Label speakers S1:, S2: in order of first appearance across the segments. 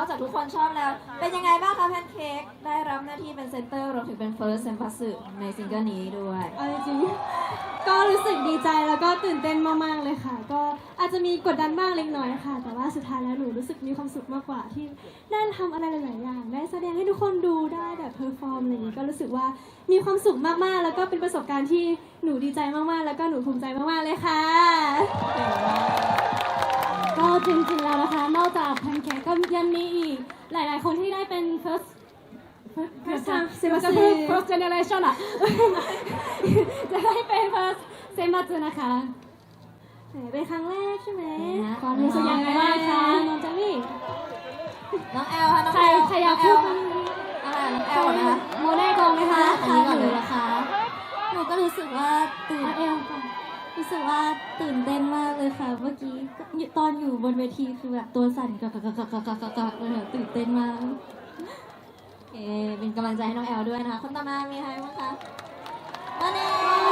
S1: อกจากทุกคนชอบแล้ว เป็นยังไงบ้างคะแพนเค้กได้รับหน้าที่เป็นเซนเตอร์รวมถึงเป็นเฟิร์สเซนปัสสึในซิงเกิลนี้ด้วย
S2: เอาจริงๆก็รู้สึกดีใจแล้วก็ตื่นเต้นมากๆเลยค่ะ ก็อาจจะมีกดดันบ้างเล็กน้อยค่ะ แต่ว่าสุดท้ายแล้วหนูรู้สึกมีความสุขมากกว่าที่ได้ทำอะไรหลายๆอย่างได้แสดงให้ทุกคนดูได้แบบเพอร์ฟอร์มอะไรอย่างนี้ก็รู้สึกว่ามีความสุขมากๆแล้วก็เป็นประสบการณ์ที่หนูดีใจมากๆแล้วก็หนูภูมิใจมากๆเลยค่ะก็จริงๆแล้วนะคะนอกจากแพนเค้กก็ยังมีอีกหลายๆคนที่ได้เป็น first generation อ่ะ จะได้เป็น first เซมัตสึนะคะเป็นครั้งแรกใช่ไหมความรู้สึกยังไงบ้างคะน้องเจลลี่
S1: น้องแอลค่ะน้อง
S2: ใคร
S1: แอล
S2: ใครอยากพูดบ้าง
S1: อะไรน้องแอลนะคะ
S2: โมได้กองไหมคะ
S1: อันนี้ก่อนเลย
S2: เหรอคะหนูก็รู้สึกว่ารู้สึกว่าตื่นเต้นมากเลยค่ะเมื่อกี้ตอนอยู่บนเวทีคือแบบตัวสั่นกักเลยค่ะตื่นเต้นมาก
S1: เป็นกำลังใจให้น้องแอลด้วยนะคะคนต่อมามีใครบ้างคะมาเน่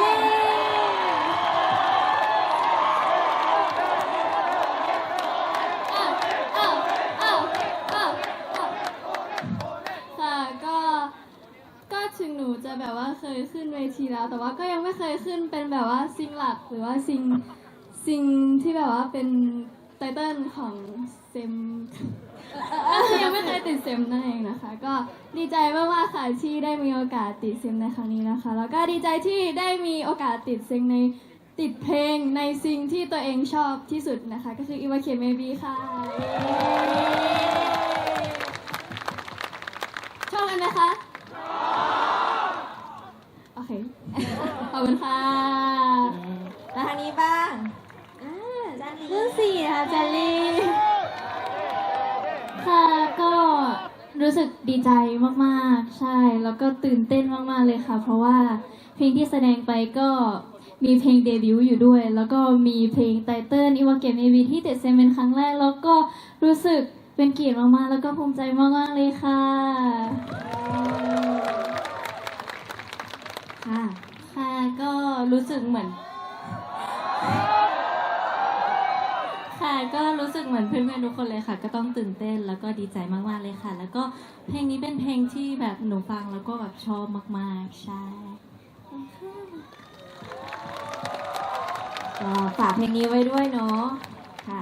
S2: ค่ะก็ถึงหนูจะแบบว่าเคยขึ้นเวทีแล้ว แต่ว่าก็ยังไม่เคยขึ้นเป็นแบบว่าซิงหลักหรือว่าซิงที่แบบว่าเป็นไตเติ้ลของเซมยังไม่เคยติดเซมนั่นเองนะคะ ก็ดีใจมากๆค่ะที่ได้มีโอกาสติดเซมในครั้งนี้นะคะ แล้วก็ดีใจที่ได้มีโอกาสติดเพลงในซิงที่ตัวเองชอบที่สุดนะคะ ก็คือ Iwake Maybe ค่ะชอบกันไหมคะโอเค ขอบคุณค่ะ
S1: แล้วทางนี้บ้างจัน
S2: รุ่นสี่ค่ะจันลี่ค่ะก็รู้สึกดีใจมากๆใช่แล้วก็ตื่นเต้นมากๆเลยค่ะเพราะว่าเพลงที่แสดงไปก็มีเพลงเดบิวต์อยู่ด้วยแล้วก็มีเพลงไตเติ้ล Iwake Maybe ที่ติดเซมเป็นครั้งแรกแล้วก็รู้สึกเป็นเกียรติมากๆแล้วก็ภูมิใจมากๆเลยค่ะค่ะก็รู้สึกเหมือนค่ะก็รู้สึกเหมือนเพื่อนๆทุกคนเลยค่ะก็ต้องตื่นเต้นแล้วก็ดีใจมากๆเลยค่ะแล้วก็เพลงนี้เป็นเพลงที่แบบหนูฟังแล้วก็แบบชอบมากๆใช่
S1: ก็ฝากเพลงนี้ไว้ด้วยเนาะค่ะ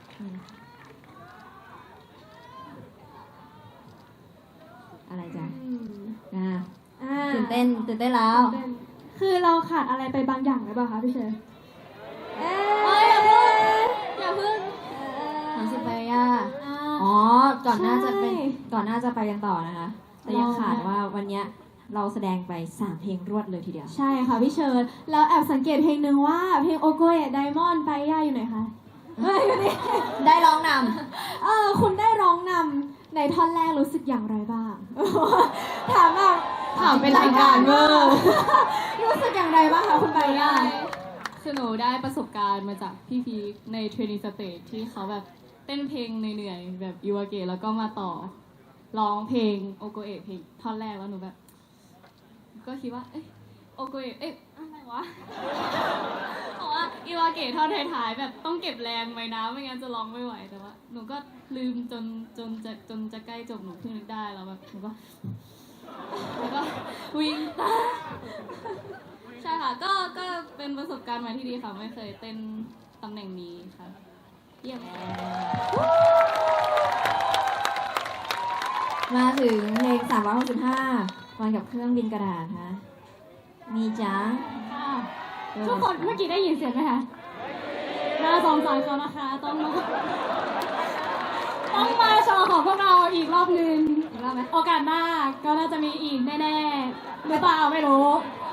S1: อะไรจ๊ะตื่นเต้นแล้ว
S2: คือเราขาดอะไรไปบางอย่างหรือเปล่าคะพี่เชยอย่าเพิ่ง
S1: ถามสิไปย่าอ๋อก่อนหน้าจะไปกันต่อนะคะแต่ยังขาดว่าวันนี้เราแสดงไป3เพลงรวดเลยทีเดียว
S2: ใช่ค่ะพี่เชิญแล้วแอบสังเกตเพลงหนึ่งว่าเพลงโอโกเอะไดมอนด์ไปย่าอยู่ไหนคะ
S1: ได้ร้องน
S2: ำคุณได้ร้องนำในท่อนแรกรู้สึกอย่างไรบ้างถามเป็นรายการเวอร์รู้สึกอย่างไรบ้างคะคุณไปย่า
S3: คือหนูได้ประสบการณ์มาจากพี่พีคในเทรนนิ่งสเตจที่เขาแบบเต้นเพลงเหนื่อยๆแบบอิวาเกะแล้วก็มาต่อร้องเพลงโอโกเอะเพลงท่อนแรกแล้วหนูแบบก็คิดว่าโอโกเอะอะไรวะเพราะว่าอิวาเกะท่อนท้ายๆแบบต้องเก็บแรงไว้นะไม่งั้นจะร้องไม่ไหวแต่ว่าหนูก็ลืมจนจะใกล้จบหนูเพิ่งนึกได้แล้วแบบหนูก็แล้วก็วิ่งตามใช่ค่ะก็เป็นประสบการณ์ใหม่ที่ดีค่ะไม่เคยเต้นตำแหน่งนี้ค่ะเยี่ยม
S1: มาถึงเพลง365วันกับเครื่องบินกระดาษฮะมีจ้า
S2: ทุกคนเมื่อกี้ได้ยินเสียงไหมคะน่าสงสารเขานะคะต้องมาโชว์ของพวกเราอีกรอบนึง
S1: อีกรอบไหม
S2: โอกาสหน้าก็น่าจะมีอีกแน่ๆหรือเปล่าไม่รู้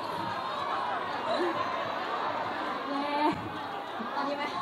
S1: ตอนนี้ไหม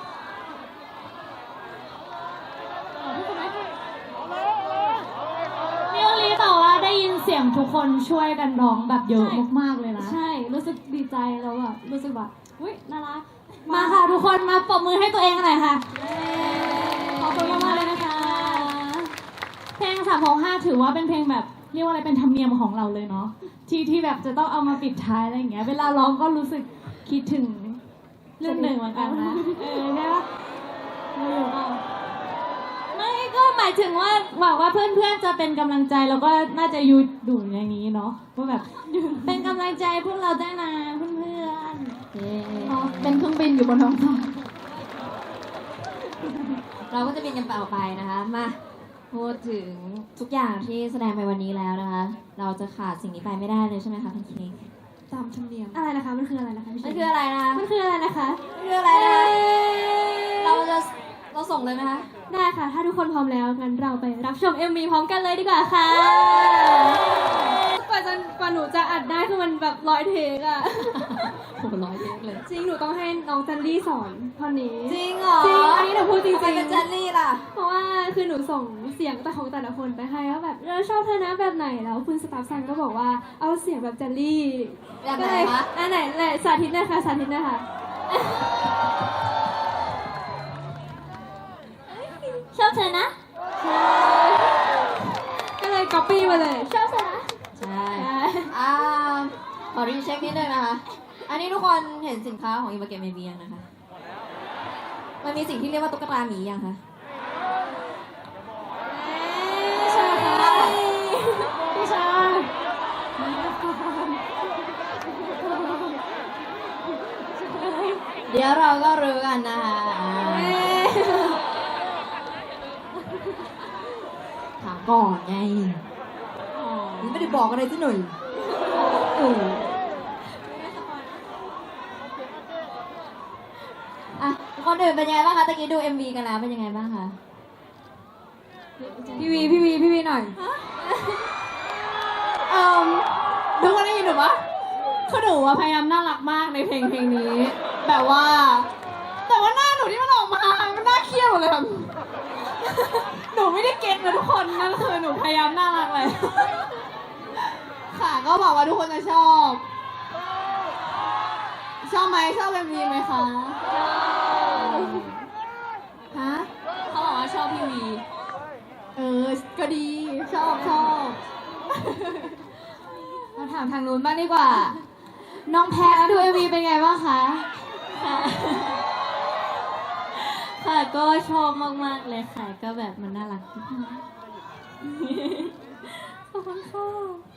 S2: มิโอรีแต่ว่าได้ยินเสียงทุกคนช่วยกันร้องแบบเยอะมากๆเลยนะใช่รู้สึกดีใจแล้วแบบรู้สึกแบบอุ๊ยน่ารักมาค่ะทุกคนมาปรบมือให้ตัวเองหน่อยค่ะขอบคุณมากๆเลยนะคะเพลง365ถือว่าเป็นเพลงแบบเรียกว่าอะไรเป็นธรรมเนียมของเราเลยเนาะที่แบบจะต้องเอามาปิดท้ายอะไรอย่างเงี้ยเวลาร้องก็รู้สึกคิดถึงเรื่องหนึ่งเหมือนกันนะใช่ปะไม่ก็หมาย
S4: มายถึงว่าหวังว่าเพื่อนๆจะเป็นกำลังใจแล้วก็น่าจะอยู่ดูอย่างนี้เนาะว่าแบบเป็นกำลังใจพวกเราได้นะเพื่อนๆ
S2: อ๋อเป็นเครื่องบินอยู่บนท้องฟ้า
S1: เราก็จะบินกันต่อไปนะคะ มาพูดถึงทุกอย่างที่แสดงไปวันนี้แล้วนะคะ เราจะขาดสิ่งนี้ไปไม่ได้เลยใช่ไหมคะแพนเค้ก
S2: ตามธรรมเนียมอะไรนะคะมันคืออะไรนะคะพี่
S1: มัน
S2: เช
S1: คืออะไรนะคะ
S2: มันคืออะไรนะคะ
S1: มันคืออะไรนะคะเราส่งเลยไหมคะ
S2: ได้ค่ะ ถ้าทุกคนพร้อมแล้วงั้นเราไปรับชม MV พร้อมกันเลยดีกว่าค่ะกว่าหนูจะอัดได้คือมันแบบ100 เทคอะ
S1: โหร้อยเยอะเลย
S2: จริงหนูต้องให้น้องจันลี่สอนเท่านี้
S1: จริงเหรอ
S2: จริงอันนี้หนูพูดจริง
S1: ทำไมเป็น
S2: ๆ
S1: เจลลี่ล่ะ
S2: เพราะว่าคือหนูส่งเสียงแต่ของแต่ละคนไปให้ว่าแบบเราชอบเธอนะแบบไหนแล้วคุณสตาฟซันก็บอกว่าเอาเสียงแบบจันลี่
S1: แบบไหน
S2: ก็เลย
S1: คะ
S2: อันไหนแหละสาธิตหนะคะสาธิตหนะคะ
S4: ชอบเธอนะ
S2: ก็เลยก๊อปปี้มาเลยชอบเธอนะ
S1: ใช่อ่าขอรีเช็คนิดนึงนะคะ อันนี้ทุกคนเห็นสินค้าของอิมเกมเมบียังนะคะ มันมีสิ่งที่เรียกว่าตุ๊กตาหมียังคะ
S2: ใช่ค่ะ
S4: พี่ชาย
S1: เดี๋ยวเราก็รู้กันนะคะถามก่อนไงนี่ไม่ได้บอกอะไรสักหน่อยอ่ะคนอื่นเป็นยังไงบ้างคะตะกี้ดู MV กันแล้วเป็นยังไงบ้างคะ
S2: พี่วีหน่อย
S3: ทุกคนได้ยินหนูปะคือหนูอะพยายามน่ารักมากในเพลงนี้ แบบว่า แต่ว่าหน้าหนูที่มันออกมา มันน่าเครียดหมดเลยแบบหนูไม่ได้เก็ตนะทุกคนนั่นคือหนูพยายามน่ารักเลย ค่ะก็บอกว่าทุกคนจะชอบ ชอบไหมชอบMVไหมคะฮะเขาบอกว่าชอบพี่วี ก็ดีชอบ
S2: มาถามทางนู้นบ้างดีกว่า น้องแพทดู MV เป็นไงบ้างคะ
S4: ค่ะก็ชอบมากๆเลยค่ะก็แบบมันน่ารักขอบคุณค่ะ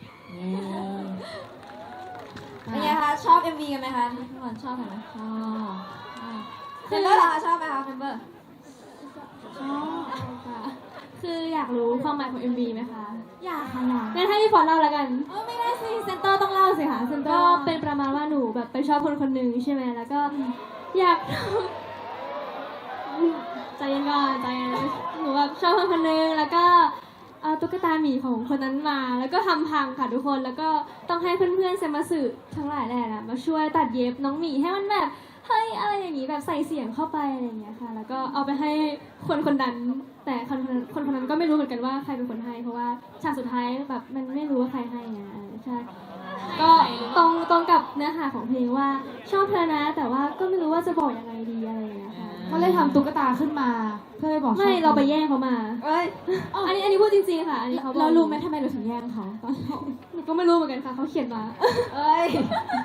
S1: เป็นไงคะชอบ MV กันไหมคะทุกคนชอบกันไหมชอบเมมเบอร์เหรอคะชอบไหมคะเมมเบอร์
S2: ชอบค่ะคืออยากรู้ความหมายของ MV ไหมคะ
S4: อยากค่ะอยาก
S2: งั้นให้พี่ฟอนเล่าแล้วกัน
S4: ไม่ได้สิเซนเตอร์ต้องเล่าสิค่ะเซนเตอ
S2: ก็
S4: ร์
S2: เป็นประมาณว่าหนูแบบไปชอบคนคนหนึ่งใช่ไหมแล้วก็อยาก ใจเย็นก่อนใจเย็นหนูแบบชอบคนคนหนึ่งแล้วก็เอาตุ๊กตาหมีของคนนั้นมา แล้วก็ทำพังค่ะทุกคนแล้วก็ต้องให้เพื่อนๆเซมาสึทั้งหลายแหละมาช่วยตัดเย็บน้องหมีให้มันแบบเฮ้ยอะไรอย่างนี้แบบใส่เสียงเข้าไปอะไรอย่างเงี้ยค่ะ แล้วก็เอาไปให้คนคนนั้น แต่คนคนนั้นก็ไม่รู้เหมือนกันว่าใครเป็นคนให้ เพราะว่าฉากสุดท้ายแบบมันไม่รู้ว่าใครให้ไงใช่ ก็ตรงกับเนื้อหาของเพลงว่าชอบเธอนะ แต่ว่าก็ไม่รู้ว่าจะบอกยังไงดีอะไรอย่างเงี้ยค่ะ
S4: เขาเลยทำตุ๊กตาขึ้นมาเพื่อไปบอก
S2: ไม่เราไปแย่งเขามา
S1: เอ้ย
S2: อันนี้พูดจริงๆค่ะ อันนี้เขาบอก
S4: เรารู้ไหมทำไมเราถึงแย่งเขา
S2: หนูก็ไม่รู้เหมือนกันค่ะเขาเขียนมา
S1: เอ้ย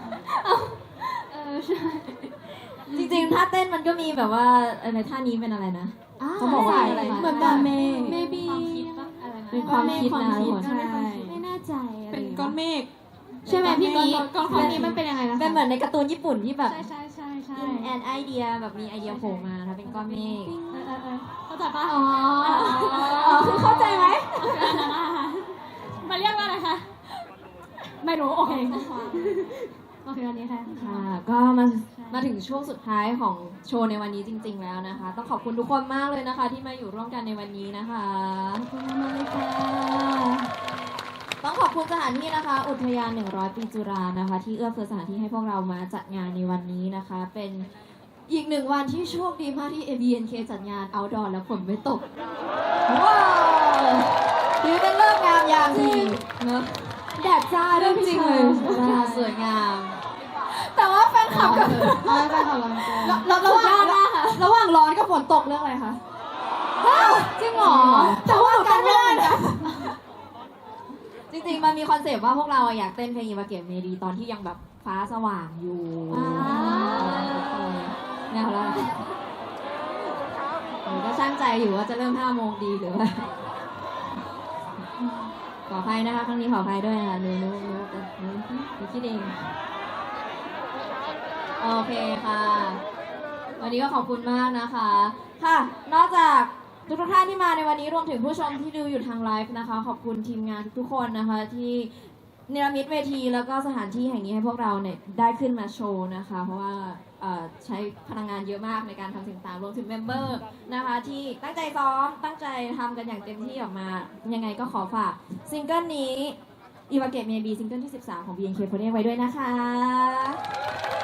S2: ใช่
S1: จริงๆ ถ้าเต้นมันก็มีแบบว่าในท่านี้เป็นอะไรนะ เขาบอกว่าอะไร
S4: เหมือนแบบเมฆ
S2: maybe
S1: เป็นความคิดนะทุกคน
S4: ใช่ไม่แน่ใจอะไร
S3: เป็นก้อนเมฆ
S2: ใช่ไหมพี่มี
S3: ก้อน
S2: ตอนนี้มันเป็นยังไงนะคะ
S1: เป็นเหมือนในการ์ตูนญี่ปุ่นที่แบบ
S4: ใช่
S1: แอนไอเดียแบบมีไอเดียโผล่มานะเป็นก้อนเมฆ
S2: เข้าใจปะ
S4: อ๋อ
S1: คือเข้าใจไหม
S2: มาเรียกว่าอะไรคะ ไม่รู้ โอเค โอเคอันนี้ค่ะ
S1: ค่ะ ก็มาถึงช่วงสุดท้ายของโชว์ในวันนี้จริง ๆ แล้วนะคะ ต้องขอบคุณทุกคนมากเลยนะคะ ที่มาอยู่ร่วมกันในวันนี้นะคะ
S4: ขอบคุณมากเลยค่ะ
S1: ต้องขอบคุณสถานที่นะคะ อุทยาน 100 ปีจุฬานะคะ ที่เอื้อเฟื้อสถานที่ให้พวกเรามาจัดงานในวันนี้นะคะ เป็นอีกหนึ่งวันที่โชคดีมากที่ ABNK จัดงาน outdoor แล้วฝนไม่ตก ว้าวถือเป็นเลิกษ์งามยามดีเนอะแดดจ้าด้วยพี่เชยสวยงาม แต่ว่าแฟนคลับกับ
S3: ระหว่างร้อนกับฝนตกเรื่องอะไรคะ
S1: จริงเหรอ
S3: แต่ว่าหนูเต้นไม่ได้นะ
S1: จริงๆ มันมีคอนเซปต์ว่าพวกเราอะอยากเต้นเพลงอิวาเกะเมดีตอนที่ยังแบบฟ้าสว่างอยู่แนวแล้วก็ช่างมั่นใจอยู่ว่าจะเริ่ม5 โมงดีหรือว่า ขออภัยนะคะครั้งนี้ขออภัยด้วยนะคะหนูคิดเองโอเคค่ะ วันนี้ก็ขอบคุณมากนะคะ ค่ะ นอกจากทุกท่านที่มาในวันนี้รวมถึงผู้ชมที่ดูอยู่ทางไลฟ์นะคะ ขอบคุณทีมงานทุกคนนะคะที่เนรมิตเวทีแล้วก็สถานที่แห่งนี้ให้พวกเราเนี่ยได้ขึ้นมาโชว์นะคะ เพราะว่าใช้พลังงานเยอะมากในการทำสิ่งต่างรวมถึงเมมเบอร์นะคะที่ตั้งใจซ้อมตั้งใจทำกันอย่างเต็มที่ออกมายังไงก็ขอฝากซิงเกิลนี้ Iwagate Maybe ซิงเกิลที่ 13 ของ BNK48 ไว้ด้วยนะคะ